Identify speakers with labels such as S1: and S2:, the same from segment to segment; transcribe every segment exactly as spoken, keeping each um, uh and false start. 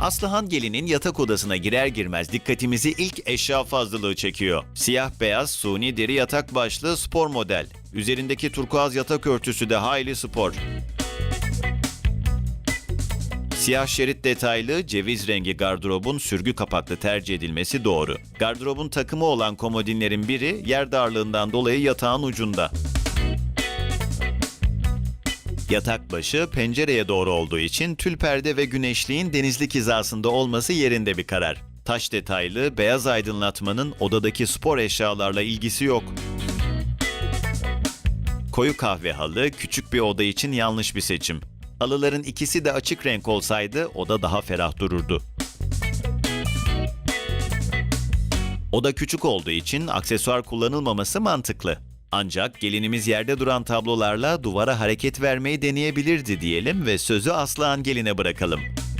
S1: Aslıhan Gelin'in yatak odasına girer girmez dikkatimizi ilk eşya fazlalığı çekiyor. Siyah beyaz suni deri yatak başlığı spor model. Üzerindeki turkuaz yatak örtüsü de hayli spor. Siyah şerit detaylı ceviz rengi gardırobun sürgü kapaklı tercih edilmesi doğru. Gardırobun takımı olan komodinlerin biri yer darlığından dolayı yatağın ucunda. Yatak başı pencereye doğru olduğu için tül perde ve güneşliğin denizlik hizasında olması yerinde bir karar. Taş detaylı beyaz aydınlatmanın odadaki spor eşyalarla ilgisi yok. Koyu kahve halı küçük bir oda için yanlış bir seçim. Halıların ikisi de açık renk olsaydı oda daha ferah dururdu. Oda küçük olduğu için aksesuar kullanılmaması mantıklı. Ancak gelinimiz yerde duran tablolarla duvara hareket vermeyi deneyebilirdi diyelim ve sözü Aslıhan Gelin'e bırakalım.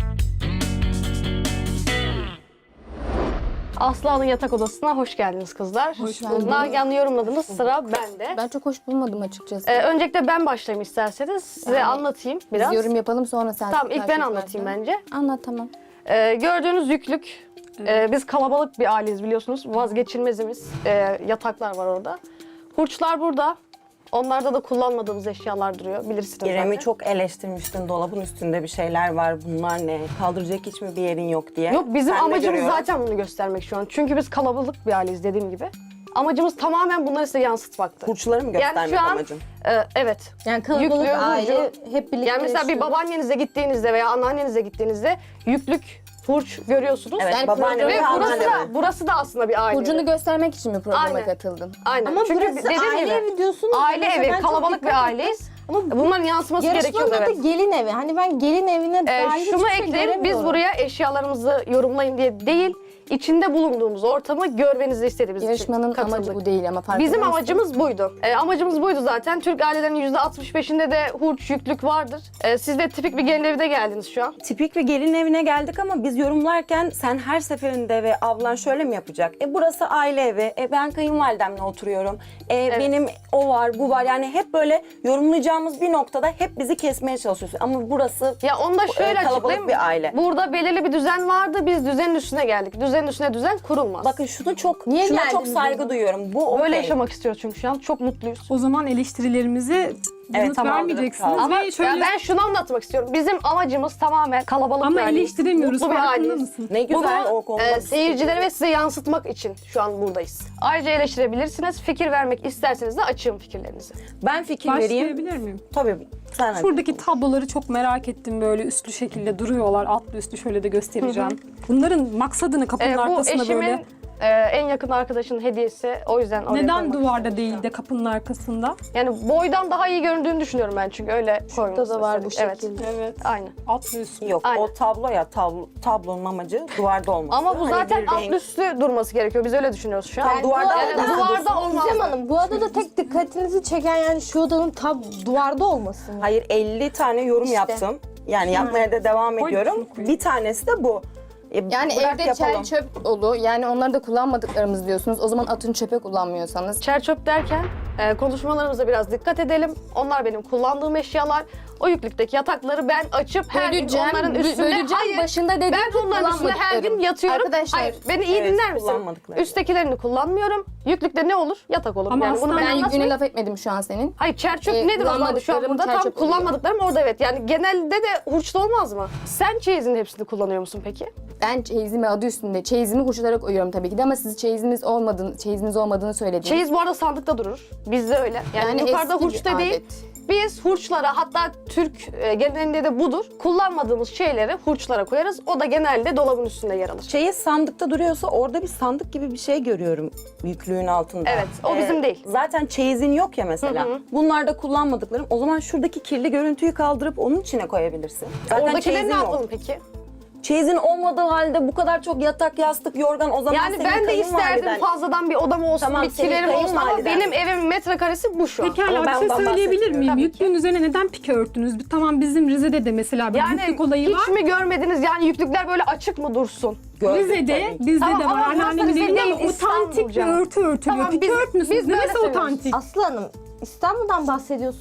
S2: Aslıhan'ın yatak odasına hoş geldiniz kızlar.
S3: Hoş bulduk.
S2: Nagihan'ı yorumladınız, sıra bende.
S3: Ben çok hoş bulmadım açıkçası.
S2: Ee, öncelikle ben başlayayım isterseniz. Size
S3: Yani
S2: anlatayım biraz.
S3: Biz yorum yapalım sonra sen.
S2: Tamam, ilk ben
S3: karşı
S2: anlatayım
S3: çıkarsın.
S2: bence.
S3: Anlat tamam.
S2: Ee, gördüğünüz yüklük, e, biz kalabalık bir aileyiz biliyorsunuz. Vazgeçilmezimiz. E, yataklar var orada. Hurçlar burada. Onlarda da kullanmadığımız eşyalar duruyor. Bilirsiniz
S4: İrem'i
S2: zaten.
S4: çok eleştirmiştin. Dolabın üstünde bir şeyler var. Bunlar ne? Kaldıracak hiç mi bir yerin yok diye.
S2: Yok, bizim
S4: Sen de
S2: amacımız
S4: görüyorum.
S2: zaten bunu göstermek şu an. Çünkü biz kalabalık bir aileyiz dediğim gibi. Amacımız tamamen bunları size yansıtmaktı.
S4: Hurçları mı göstermek
S2: şu an-
S4: amacın?
S2: E, evet.
S5: Yani kalabalık
S2: Yüklü,
S5: aile
S2: hurcu.
S5: hep birlikte
S2: Yani mesela bir
S5: yaşıyor.
S2: babaannenize gittiğinizde veya anneannenize gittiğinizde yüklük, hurç görüyorsunuz.
S4: Evet,
S3: Yani
S4: babaanne
S2: Ve
S4: ve
S2: burası
S4: anneanne.
S2: da, burası da aslında bir aile.
S3: Burcunu göstermek için mi programa
S2: Aynen.
S3: katıldın?
S2: Aynen.
S5: Ama
S2: Çünkü
S5: burası
S2: dediğim
S5: aile
S2: gibi,
S5: evi diyorsunuz.
S2: aile
S5: Mesela
S2: evi,
S5: ben çok
S2: kalabalık
S5: dikkat
S2: bir
S5: ettim.
S2: aileyiz.
S5: Ama
S2: Bunların yansıması gerekiyor.
S5: yarışmanın
S2: Evet.
S5: adı gelin evi. Hani ben gelin evine
S2: Ee,
S5: dair
S2: şunu
S5: hiçbir şey
S2: ekleyelim, biz
S5: göremiyorum.
S2: buraya eşyalarımızı yorumlayın diye değil, içinde bulunduğumuz ortamı görmenizi istediğimiz için
S3: Yarışmanın
S2: katıldık.
S3: amacı bu değil ama farkında
S2: Bizim
S3: mısın?
S2: amacımız buydu. Ee, amacımız buydu zaten. Türk ailelerinin yüzde altmış beşinde de hurç, yüklük vardır. Ee, siz de tipik bir gelin evine geldiniz şu an.
S4: Tipik bir gelin evine geldik ama biz yorumlarken sen her seferinde ve ablan şöyle mi yapacak? E burası aile evi. E ben kayınvalidemle oturuyorum. E benim o var, bu var. Yani hep böyle yorumlayacağımız bir noktada hep bizi kesmeye çalışıyorsun. Ama burası
S2: Ya onu da şöyle
S4: kalabalık
S2: açıklayayım.
S4: bir aile.
S2: Burada belirli bir düzen vardı. Biz düzenin üstüne geldik. Düzenin üstüne düzen kurulmaz.
S4: Bakın şunu çok,
S5: Niye
S4: şuna çok
S5: geldiniz
S4: saygı
S5: burada?
S4: duyuyorum. Bu
S2: Böyle
S4: okey.
S2: yaşamak istiyoruz çünkü şu an. Çok mutluyuz.
S6: O zaman eleştirilerimizi yanıt
S4: tamam,
S6: vermeyeceksiniz
S4: tamam.
S2: Ama
S6: ve şöyle
S2: ya ben şunu anlatmak istiyorum. Bizim amacımız tamamen kalabalık
S6: ama
S2: bir aileyiz.
S6: eleştiremiyoruz,
S2: Mutlu bir
S6: farkında
S2: aileyiz.
S6: mısın?
S4: Ne güzel o
S2: Bunu
S4: konuda.
S2: e,
S4: bir
S2: seyircilere ve size yansıtmak için şu an buradayız. Ayrıca eleştirebilirsiniz. Fikir vermek isterseniz de açığım fikirlerinizi.
S4: Ben fikir vereyim.
S6: Başlayabilir miyim?
S4: Tabii. Sen hadi.
S6: Şuradaki tabloları çok merak ettim, böyle üstlü şekilde duruyorlar. Altlı üstlü şöyle de göstereceğim. Bunların maksadını kapının
S2: E, bu
S6: arkasına
S2: eşimin
S6: böyle...
S2: e, en yakın arkadaşının hediyesi. O yüzden oraya
S6: Neden
S2: koymak
S6: duvarda
S2: istedim.
S6: değil de kapının arkasında?
S2: Yani boydan daha iyi göründüğünü düşünüyorum ben çünkü öyle koymuş.
S5: da var bu
S2: Evet.
S5: şekilde.
S6: Evet.
S2: Aynen.
S6: Altlı üstlü.
S4: Yok
S2: Aynen.
S4: o tablo ya tablo, tablonun amacı duvarda olması.
S2: Ama bu
S4: Hani
S2: zaten
S4: bir
S2: alt
S4: renk-
S2: üstü durması gerekiyor. Biz öyle düşünüyoruz şu an.
S4: Yani duvarda
S2: yani
S4: olmaz.
S2: duvarda olmaz.
S5: Gizem Hanım, bu adada tek dikkatinizi çeken yani şu odanın tam duvarda olması mı?
S4: Hayır elli tane yorum
S5: İşte.
S4: yaptım. Yani yapmaya da devam
S6: Koy,
S4: ediyorum.
S6: şunu koy.
S4: Bir tanesi de bu. E,
S3: Yani
S4: bırak
S3: evde
S4: yapalım.
S3: çel çöp dolu. Yani onları da kullanmadıklarımız diyorsunuz. O zaman atın çöpe kullanmıyorsanız.
S2: Çer çöp derken e, konuşmalarımıza biraz dikkat edelim. Onlar benim kullandığım eşyalar. O yüklükteki yatakları ben açıp her gün
S3: Böleceğim,
S2: onların
S3: bö-
S2: üstünde...
S3: böleceğim.
S2: Hayır,
S3: Başında dedim
S2: ben
S3: ki
S2: onların üstünde her gün
S3: kullanmadıklarım.
S2: yatıyorum.
S3: Arkadaşlar,
S2: Hayır, beni iyi
S4: evet,
S2: dinler misin?
S4: kullanmadıkları.
S2: Üsttekilerini kullanmıyorum. Yüklükte ne olur? Yatak olur.
S6: Ama
S2: yani bunu
S6: aslında
S2: ben
S3: Ben yüklüğüne
S2: anlatmayayım.
S3: laf etmedim şu an senin.
S2: Hayır, çer çöp
S3: Ee,
S2: nedir o zaman şu an
S3: kullanmadıklarım
S2: burada?
S3: çer
S2: Tam
S3: çöp oluyor.
S2: kullanmadıklarım orada evet. Yani genelde de hurçlu olmaz mı? Sen çeyizin hepsini kullanıyor musun peki?
S3: Ben çeyizimi adı üstünde. Çeyizimi hurçlara koyuyorum tabii ki de ama siz çeyiziniz olmadığını, çeyiziniz olmadığını söylediniz.
S2: Çeyiz bu arada sandıkta durur. Bizde öyle. Yani,
S3: Yani
S2: yukarıda
S3: eski bir
S2: hurçta değil.
S3: adet.
S2: Biz hurçlara, hatta Türk e, genelinde de budur. Kullanmadığımız şeyleri hurçlara koyarız. O da genelde dolabın üstünde yer alır.
S4: Çeyiz sandıkta duruyorsa orada bir sandık gibi bir şey görüyorum yüklüğün altında.
S2: Evet, o bizim değil.
S4: Zaten çeyizin yok ya mesela. Bunlar da kullanmadıklarım. O zaman şuradaki kirli görüntüyü kaldırıp onun içine koyabilirsin. Zaten
S2: Oradakileri
S4: çeyizin
S2: ne
S4: yok.
S2: yapalım peki?
S4: Çeyizin olmadığı halde bu kadar çok yatak, yastık, yorgan o zaman
S2: Yani
S4: senin
S2: ben de isterdim
S4: kayınvaliden-
S2: fazladan bir odam olsun,
S4: Tamam,
S2: bir
S4: senin
S2: kilerim olsun ama
S4: kayınvaliden.
S2: benim evimin metrekaresi bu şu an.
S6: Pekala
S4: Ama ben
S6: bir şey
S4: ondan
S6: söyleyebilir
S4: bahsetmiyorum.
S6: miyim?
S2: Tabii
S6: Yüklüğün üzerine neden pike örttünüz? Bir- Tamam bizim Rize'de de mesela bir
S2: Yani
S6: yüklük olayı
S2: hiç
S6: var.
S2: mi görmediniz yani yüklükler böyle açık mı dursun?
S4: Gördüm
S6: Rize'de,
S4: tabii ki.
S6: bizde
S2: Tamam,
S6: de
S2: ama
S6: var.
S2: burası
S6: Anneannemin
S2: Rize
S6: evinde
S2: değil,
S6: ama otantik bir
S2: İstanbul
S6: örtü örtülüyor.
S2: Tamam,
S6: Pike
S2: biz-
S6: örtmüyorsunuz.
S2: biz böyle
S6: Neresi
S2: seviyoruz.
S6: otantik?
S5: Aslı Hanım, İstanbul'dan bahsediyorsunuz.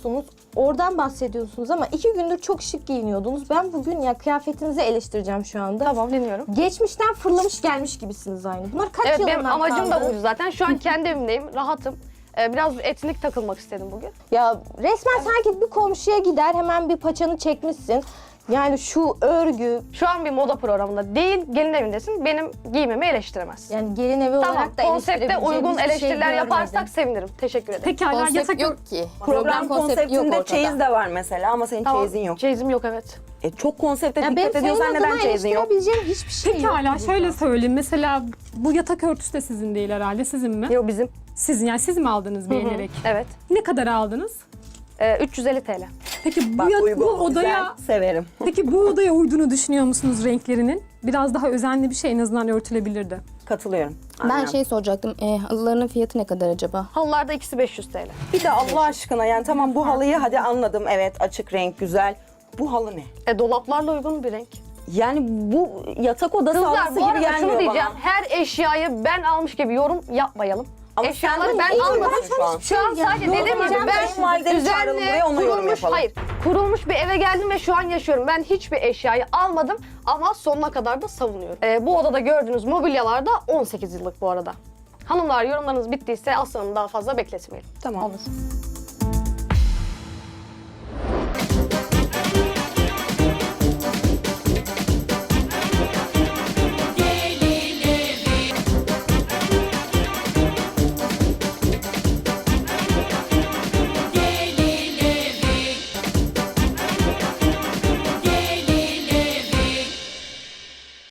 S5: oradan bahsediyorsunuz ama iki gündür çok şık giyiniyordunuz. Ben bugün ya kıyafetinizi eleştireceğim şu anda.
S2: Tamam, dinliyorum.
S5: Geçmişten fırlamış gelmiş gibisiniz aynı. Bunlar kaç
S2: Evet,
S5: yılından
S2: benim amacım da
S5: kaldı?
S2: buydu zaten. Şu an kendi evimdeyim, rahatım. Ee, biraz etnik takılmak istedim bugün.
S5: Ya resmen sanki bir komşuya gider hemen bir paçanı çekmişsin. Yani şu örgü,
S2: Şu an bir moda programında değil, gelin evindesin. Benim giyimimi eleştiremez.
S5: yani gelin evi
S2: Tamam,
S5: olarak da
S2: konsepte
S5: eleştirebileceğimiz
S2: uygun
S5: bir şey
S2: eleştiriler
S5: görmedim.
S2: yaparsak sevinirim. Teşekkür ederim.
S6: Pekala
S3: Konsept
S6: yatak
S3: yok ki.
S4: Program
S3: konsepti yok
S4: konseptinde
S3: ortada.
S4: çeyiz de var mesela ama senin
S2: Tamam,
S4: çeyizin yok.
S2: çeyizim yok, evet.
S4: E, çok konsepte
S5: Ya benim
S4: dikkat
S5: senin
S4: ediyorsan neden
S5: adına
S4: çeyizin yok?
S5: eleştirebileceğim hiçbir şey yok.
S6: Pekala
S5: burada.
S6: şöyle söyleyeyim. Mesela bu yatak örtüsü de sizin değil herhalde. Sizin mi?
S2: Yok, bizim.
S6: Sizin, yani siz mi aldınız beğenerek?
S2: Evet.
S6: Ne kadar aldınız?
S2: Ee, üç yüz elli TL.
S6: Peki bu,
S4: Bak
S6: ya-
S4: uygun,
S6: bu odaya
S4: güzel, severim.
S6: peki bu odaya uyduğunu düşünüyor musunuz renklerinin? Biraz daha özenli bir şey en azından örtülebilirdi.
S4: Katılıyorum.
S3: Ben
S4: Aynen.
S3: şey soracaktım. E, halılarının fiyatı ne kadar acaba?
S2: Halılarda ikisi beş yüz TL.
S4: Bir de Allah aşkına yani tamam bu halıyı hadi anladım, evet açık renk güzel. Bu halı ne?
S2: E, dolaplarla uygun bir renk.
S4: Yani bu yatak odası
S2: Kızlar
S4: halısı
S2: bu
S4: gibi
S2: arada
S4: gelmiyor
S2: şunu diyeceğim.
S4: bana.
S2: Her eşyayı ben almış gibi yorum yapmayalım.
S4: Ama
S2: Eşyaları
S4: sen
S2: ben
S4: iyi
S2: almadım.
S4: diyorsun şu an.
S2: Şu an sadece
S5: Yorum
S2: dediğim gibi
S5: yapacağım,
S2: ben
S4: kayınvalideni çağıralım
S2: düzenli,
S4: buraya, ona yorum
S2: kurulmuş,
S4: yapalım.
S2: hayır, kurulmuş bir eve geldim ve şu an yaşıyorum. Ben hiçbir eşyayı almadım ama sonuna kadar da savunuyorum. Ee, bu odada gördüğünüz mobilyalar da on sekiz yıllık bu arada. Hanımlar, yorumlarınız bittiyse Aslan'ı daha fazla bekletmeyelim.
S4: Tamam.
S3: Olur.